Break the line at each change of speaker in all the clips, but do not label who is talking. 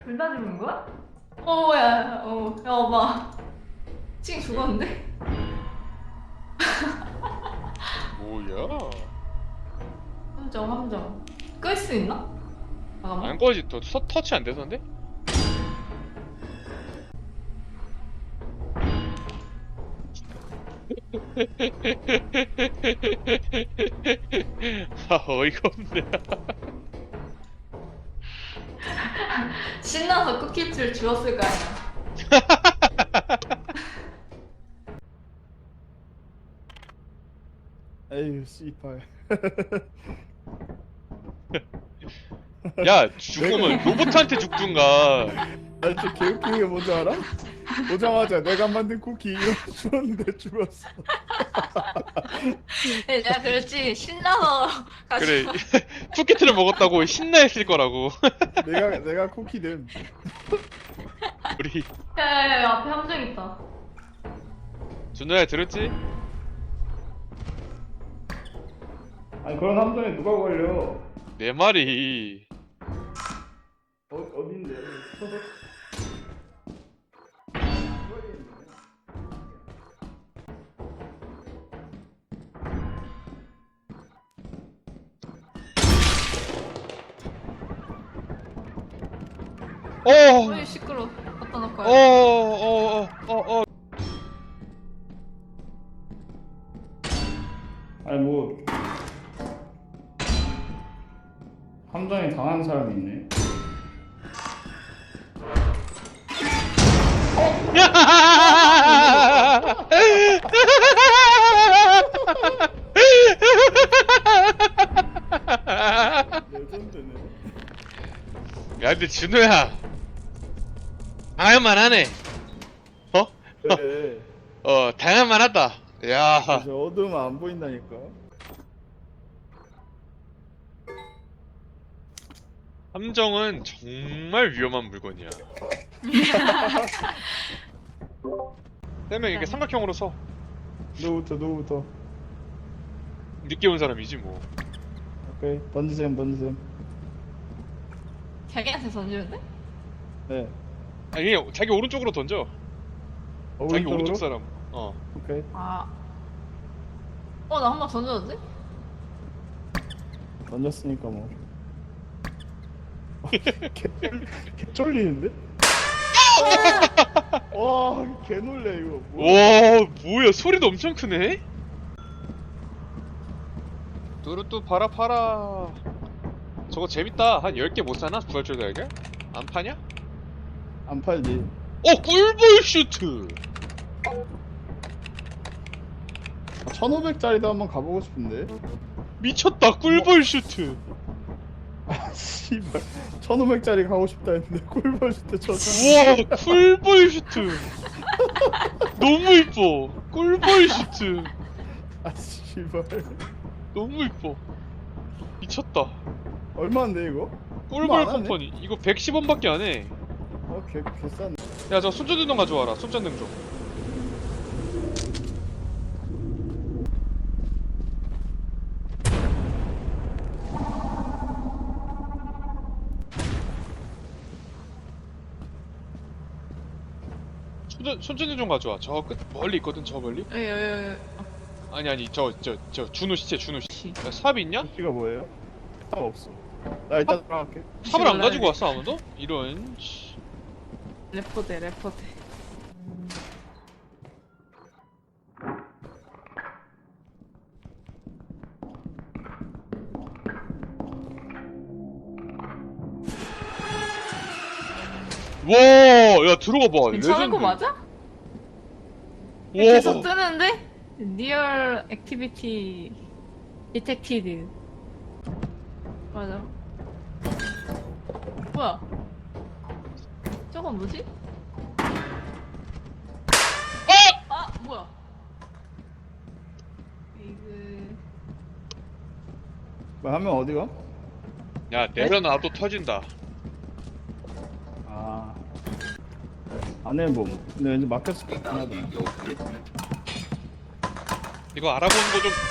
둘 다 죽은 거야? 어, 야, 야, 엄마. 찡 죽었는데?
뭐야?
함정. 끌 수 있나? 잠깐만.
안 꺼지. 또 터치 안 돼서인데? 아, 어이가 없네.
신나서 쿠키줄 주웠을 거 아니야.
에휴 씨발.
야, 죽으면 로봇한테 죽든가.
나 진짜 개웃긴 게 뭔지 알아? 오자마자 내가 만든 쿠키 이거 주웠는데 죽었어.
내가 그랬지. 신나서
그래,
가지고.
쿠키트를 먹었다고 신나했을 거라고.
내가 쿠키는
우리
야, 앞에 함정 있다.
준호야 들었지?
아니 그런 함정에 누가 걸려?
내 말이.
어딘데?
어이, 시끄러. 갖다 놓고.
아니 뭐 함정에 당한 사람이 있네. 레전드네.
야, 근데 준호야, 당할만 하네. 어?
그래.
당할만 하다. 야,
저 어두우면 안 보인다니까.
함정은 정말 위험한 물건이야. 세 명 이렇게 삼각형으로 서.
누구부터.
늦게 온 사람이지 뭐.
오케이 던지셈.
자기한테 던지면 돼?
네.
아니, 그냥 자기 오른쪽으로 던져. 자기
오른쪽으로?
오른쪽 사람.
오케이.
아. 나 한 번 던져도 돼?
던졌으니까 뭐. 개 쫄리는데? 와, 개 놀래 이거. 뭐야?
와, 뭐야, 소리도 엄청 크네? 뚜루뚜 팔아. 저거 재밌다. 한 10개 못 사나? 부활절 달걀? 안 파냐?
안 팔지.
꿀볼 슈트!
1,500짜리도 한번 가보고 싶은데.
미쳤다, 꿀볼 슈트!
아, 씨발. 1,500짜리 가고 싶다 했는데 꿀벌 때
우와, 꿀볼 슈트! 너무 이뻐! 꿀볼 슈트!
아, 씨발.
너무 이뻐. 미쳤다.
얼마인데 이거? 얼마
꿀벌
안 하네?
컴퍼니. 이거 110원밖에 안 해.
개싼.
야, 저 손전등 가져와라. 손전등 좀. 손전등 좀 가져와. 저 끝 멀리 있거든. 저 멀리.
예.
아니 저 준호 시체. 야, 삽 있냐?
씨가 뭐예요? 탑 없어. 나 일단 들어갈게.
삽을 안 가지고 왔어 아무도? 이런. 씨.
레포대.
와, 야 들어가 봐.
괜찮은 거
레전드.
맞아?
와.
계속 뜨는데? 리얼 액티비티 디텍티드. 맞아. 뭐야? 저건 뭐지? 뭐야? 이그
뭐 하면 어디가?
야 내려놔도 터진다.
아. 안에 뭐. 근데 왠지 막혔을 것 같긴 하더라.
이거 알아보는 거 좀.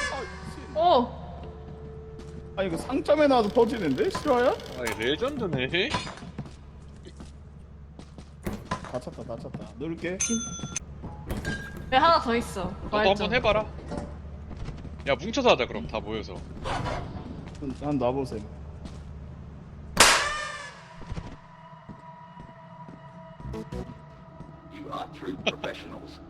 아 이거 상점에 놔도 터지는데? 실화야?
아, 레전드네.
다쳤다 다쳤다. 누를게.
왜 하나 더 있어?
너도 한번 해봐라. 야 뭉쳐서 하자 그럼 다 모여서.
한 놔보세요.
You are true professionals.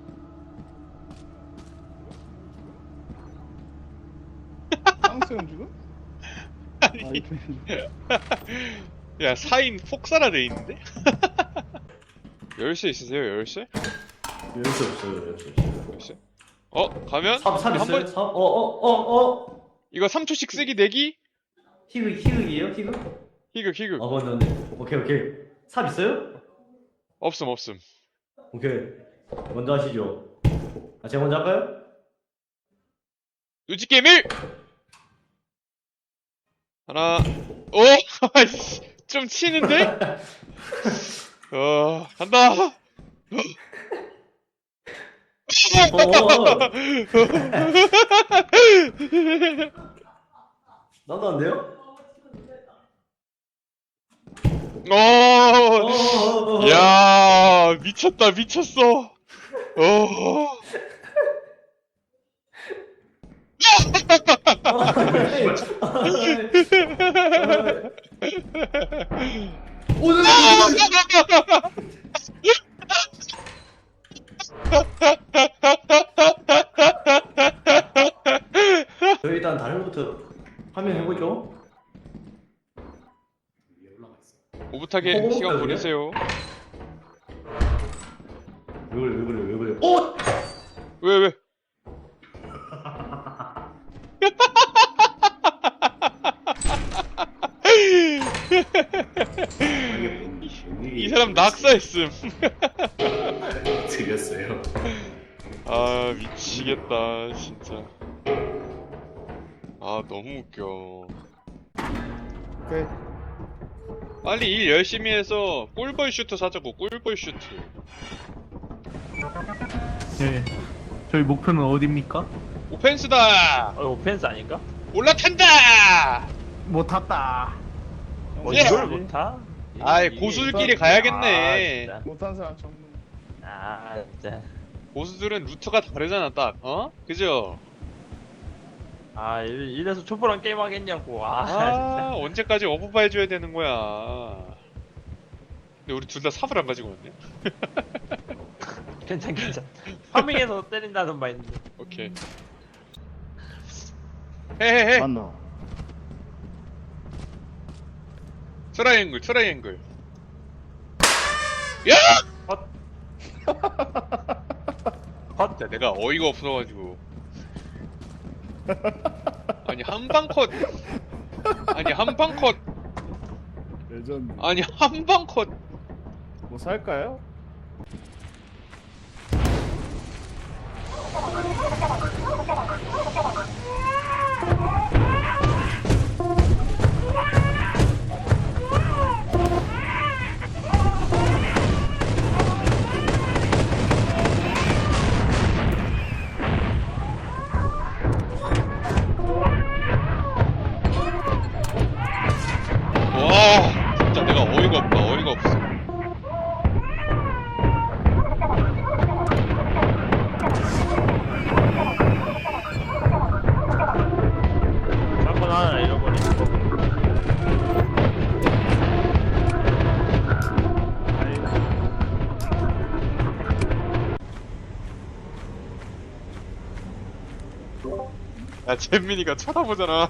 쌍수형 지금?
아니.
아 이거
야 4인 폭사라 돼 있는데? 열쇠 있으세요 열쇠?
열쇠 없어요, 열쇠 없어요.
열쇠? 가면?
삽 있어요?
번
삽?
이거 3초씩 쓰기 내기?
희극이에요? 희극?
희극
맞네. 오케이. 삽 있어요?
없음
오케이. 먼저 하시죠. 제가 먼저 할까요?
누지게임 1! 하나 아이씨 좀 치는데? 간다
나도 안 돼요?
야 미쳤다 미쳤어
저희 일단 다른 것부터 화면 해보죠.
오붓하게 시간 보내세요
왜 그래?
왜 이 사람 낙사했음
드렸어요.
아 미치겠다 진짜 아 너무 웃겨
오케이.
빨리 일 열심히 해서 꿀벌 슈트 사자고 꿀벌 슈트
네. 저희 목표는 어디입니까?
오펜스다
오펜스 아닌가?
올라탄다
못 탔다.
예!
이걸 못 타?
아이 고수들끼리 가야겠네
아, 진짜.
못한 사람 정문.
아 진짜.
고수들은 루트가 다르잖아 딱 그죠?
아 이래서 초보랑 게임 하겠냐고. 아,
아 언제까지 어부바 해줘야 되는 거야 근데 우리 둘 다 삽을 안 가지고 왔네
진짜. 괜찮. 파밍해서 때린다는 마인드.
오케이 헤헤헤
맞나?
트라이앵글 야!
헛.
야, 내가 어이가 없어가지고 아니 한방컷 아니 한방컷
레전드.
아니 한방컷
뭐 살까요?
와 진짜 내가 어이가 없어
샷건 하나 잃어버린 거.
야 잼민이가 쳐다보잖아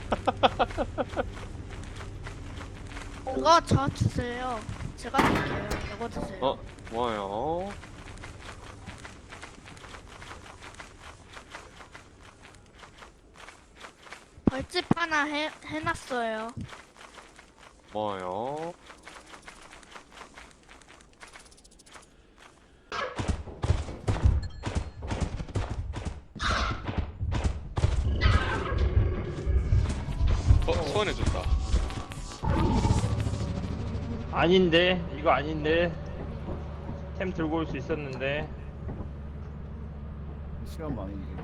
그거 저 주세요. 제가 드릴게요. 이거 드세요.
뭐요?
벌집 하나 해놨어요.
뭐요? 소원해줬다
아닌데 이거 아닌데. 템 들고 올 수 있었는데.
시간 많이 있는데.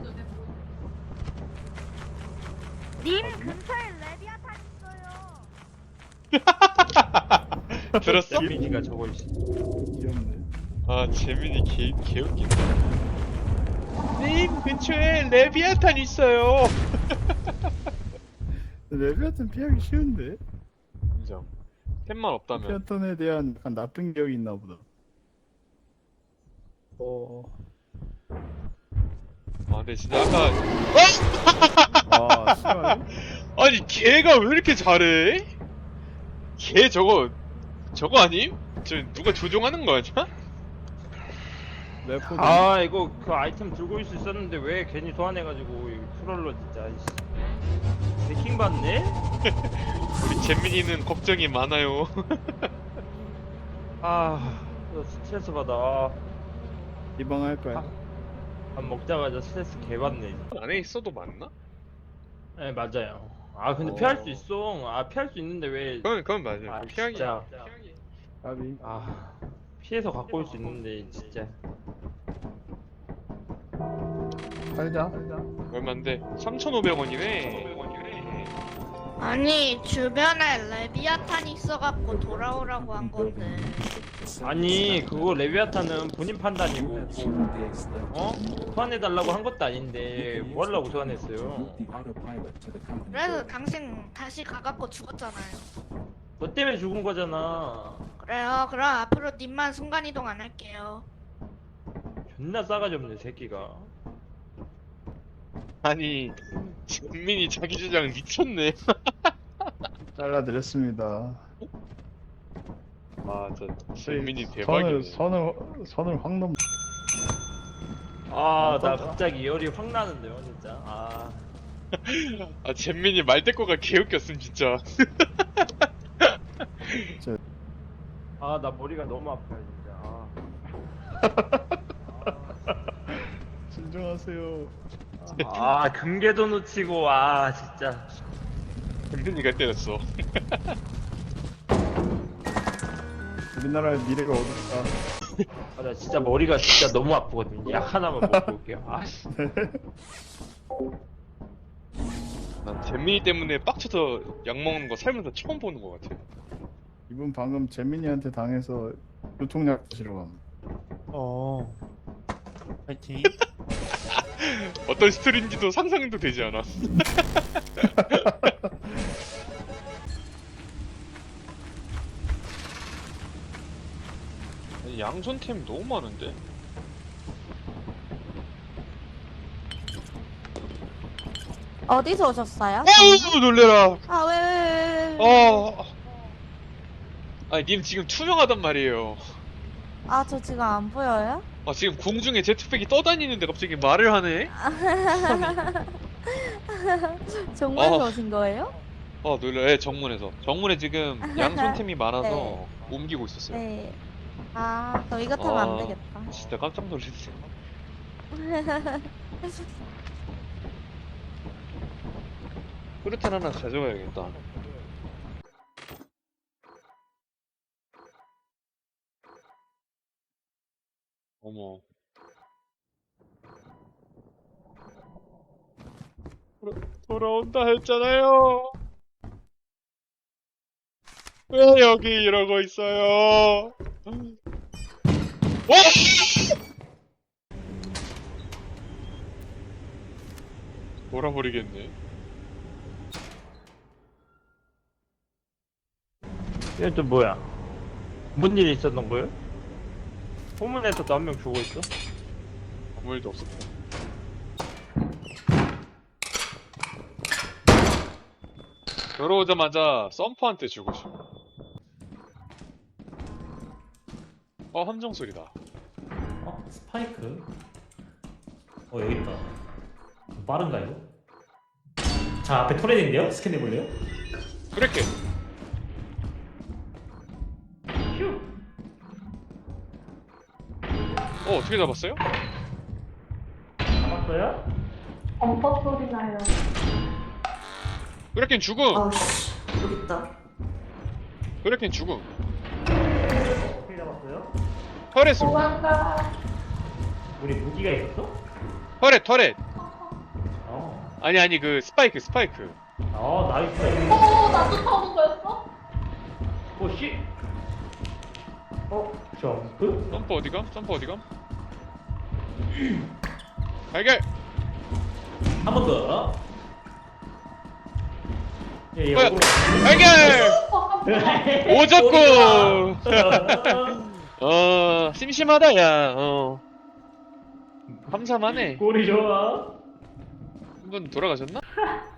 님 근처에 레비아탄 있어요.
들었어?
민이가 저거 있어.
귀엽네.
아 재민이 개웃긴다. 님 근처에 레비아탄 있어요.
레비아탄 피하기 쉬운데?
인정. 템만 없다면.
레비아탄에 대한 약간 나쁜 기억이 있나 보다.
아 근데 진짜 아까
아, 싫어요?
아니 걔가 왜 이렇게 잘해? 걔 저거 아님? 저 누가 조종하는 거 아니야?
레포드.
아 이거 그 아이템 들고 있을 수 있었는데 왜 괜히 소환해가지고 이 트롤러 진짜 이씨. 해킹 받네?
우리 재민이는 걱정이 많아요.
아 나 스트레스 받아.
리방할까요?
밥 먹자마자 스트레스 개 받네.
안에 있어도 맞나?
네 맞아요. 아 근데
어.
피할 수 있어. 아 피할 수 있는데 왜?
그건 맞아요.
아
피하기.
진짜.
까비.
아 피해서 갖고 올 수 있는데 진짜.
살자.
얼마인데? 3,500원이네.
아니 주변에 레비아탄이 있어갖고 돌아오라고 한 건데.
아니 그거 레비아탄은 본인 판단이고 어? 소환해달라고 한 것도 아닌데 뭐 하려고 소환했어요?
그래서 당신 다시 가갖고 죽었잖아요.
너 때문에 죽은 거잖아.
그래요. 그럼 앞으로 님만 순간이동 안 할게요.
존나 싸가지 없네 새끼가.
아니 재민이 자기 주장 미쳤네.
잘라드렸습니다.
아, 저 재민이 대박이네.
선을 확 넘.
아 나 갑자기 열이 확 나는데요 진짜. 아
아, 재민이 말대꾸가 개웃겼음 진짜.
아 나 머리가 너무 아파요 진짜.
진정하세요.
아 금괴도 놓치고 아 진짜.
재민이가 때렸어.
우리나라의 미래가 어둡다.
아 나 진짜 머리가 진짜 너무 아프거든요. 약 하나만 먹고 올게요. 아 씨.
난 재민이 때문에 빡쳐서 약 먹는 거 살면서 처음 보는 것 같아.
이분 방금 재민이한테 당해서 교통약 마시러 감.
파이팅.
어떤 스토리인지도 상상도 되지 않아. 아니, 양손템 너무 많은데?
어디서 오셨어요?
어우 놀래라.
아, 왜?
아니 님 지금 투명하단 말이에요.
아, 저 지금 안 보여요?
아 지금 공중에 제트팩이 떠다니는데 갑자기 말을 하네?
정말로
아.
오신 거예요?
놀래. 정문에서. 정문에 지금 양손템이 많아서
네.
옮기고 있었어요.
네. 아, 저 이거 타면 안 되겠다.
진짜 깜짝 놀랐어요. 후르탄 하나 가져가야겠다. 어머. 돌아온다 했잖아요. 왜 여기 이러고 있어요? 와! 몰아버리겠네.
이건 또 뭐야? 뭔 일이 있었던 거예요? 호문에서도 한 명 죽어 있어?
아무 일도 없었다. 들어오자마자 썸퍼한테 주고 싶어. 함정 소리다.
스파이크? 여기 있다. 빠른가 이거? 자 앞에 토렌인데요? 스캔해볼래요?
그렇게. 어떻게 잡았어요?
잡았어요?
엄법 소리 나요.
그렇게 죽음.
아우씨, 여기 있다.
그렇게 죽음.
어떻게 잡았어요?
터렛.
도망가.
우리 무기가 있었어?
터렛.
어.
아니 그 스파이크.
나이스.
나도 타는 거였어?
오 씨.
점프?
점프 어디감? 점프 어디감? 발견!
한 번 더. 예, 예,
뭐야?
오고.
발견! 오졌고! 심심하다, 야, 함삼하네.
꼴이 좋아.
한 번 돌아가셨나?